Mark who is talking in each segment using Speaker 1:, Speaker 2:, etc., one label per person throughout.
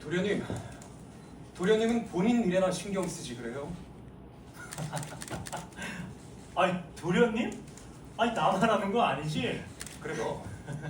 Speaker 1: 도련님, 도련님은 본인 일에나 신경 쓰지 그래요?
Speaker 2: 아니 도련님? 아니 나만 하는 거 아니지?
Speaker 1: 그래도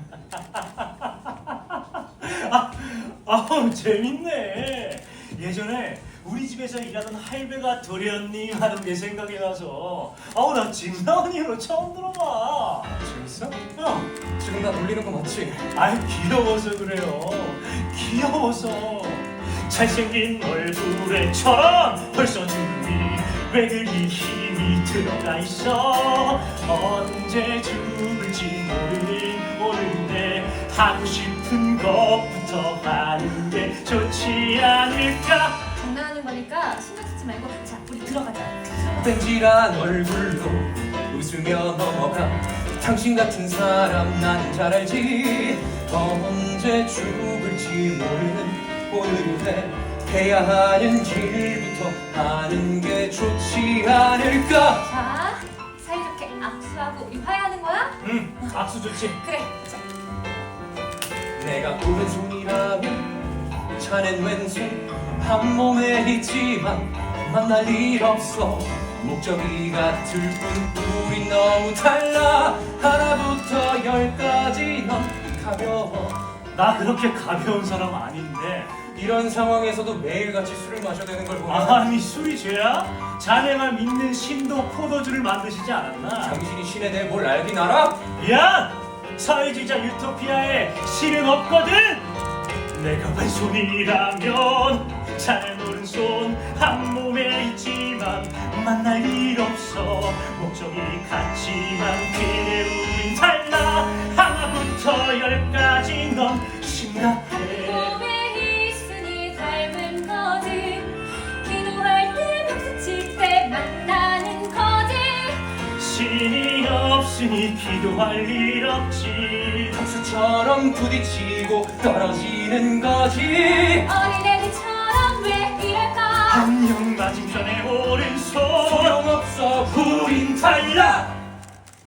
Speaker 2: 아우 재밌네. 예전에 우리 집에서 일하던 할배가 도련님 하는 게 생각이 나서 아우 나 진나은 이후로 처음 들어봐.
Speaker 1: 재밌어?
Speaker 2: 형,
Speaker 1: 지금 나 놀리는 거 맞지?
Speaker 2: 아이 귀여워서 그래요. 귀여워서 잘생긴 얼굴에처럼 벌써 준비 왜 그리 힘이 들어가 있어. 언제 죽을지 모르는데 하고 싶은 것부터 하는 게 좋지 않을까.
Speaker 3: 장난하는 거니까 신경 쓰지 말고 자 우리 들어가자.
Speaker 1: 뺀질한 얼굴로 웃으며 넘어가. 당신 같은 사람 난 잘 알지. 언제 죽을지 모르는 오늘에 해야 하는 일부터 하는 게 좋지 않을까.
Speaker 3: 자 사이좋게 악수하고 유화해하는 거야?
Speaker 2: 응, 악수 좋지.
Speaker 3: 그래. 자,
Speaker 1: 내가 오른손이라면 자넨 왼손. 한 몸에 있지만 만날 일 없어. 목적이 같을 뿐 우린 너무 달라. 하나부터 열까지 넌 가벼워.
Speaker 2: 나 그렇게 가벼운 사람 아닌데.
Speaker 1: 이런 상황에서도 매일같이 술을 마셔야 되는 걸 보면
Speaker 2: 아니 술이 죄야? 자네가 믿는 신도 포도주를 만드시지 않았나?
Speaker 1: 당신이 신에 대해 뭘 알긴 알아?
Speaker 2: 미안! 사회주의자 유토피아에 실은 없거든! 내가 왼손이라면 자네 오른손 한 몸에 있지만 만날 일 없어. 목적이 같지만 그래 우린 달라. 하나부터 열까지 넌 심각해.
Speaker 3: 몸에 있으니 닮은 거지. 기도할 때 박수 칠 때 만나는 거지.
Speaker 2: 신이 없으니 기도할 일 없지.
Speaker 1: 박수처럼 부딪히고 떨어지는 거지.
Speaker 3: 어린애들처럼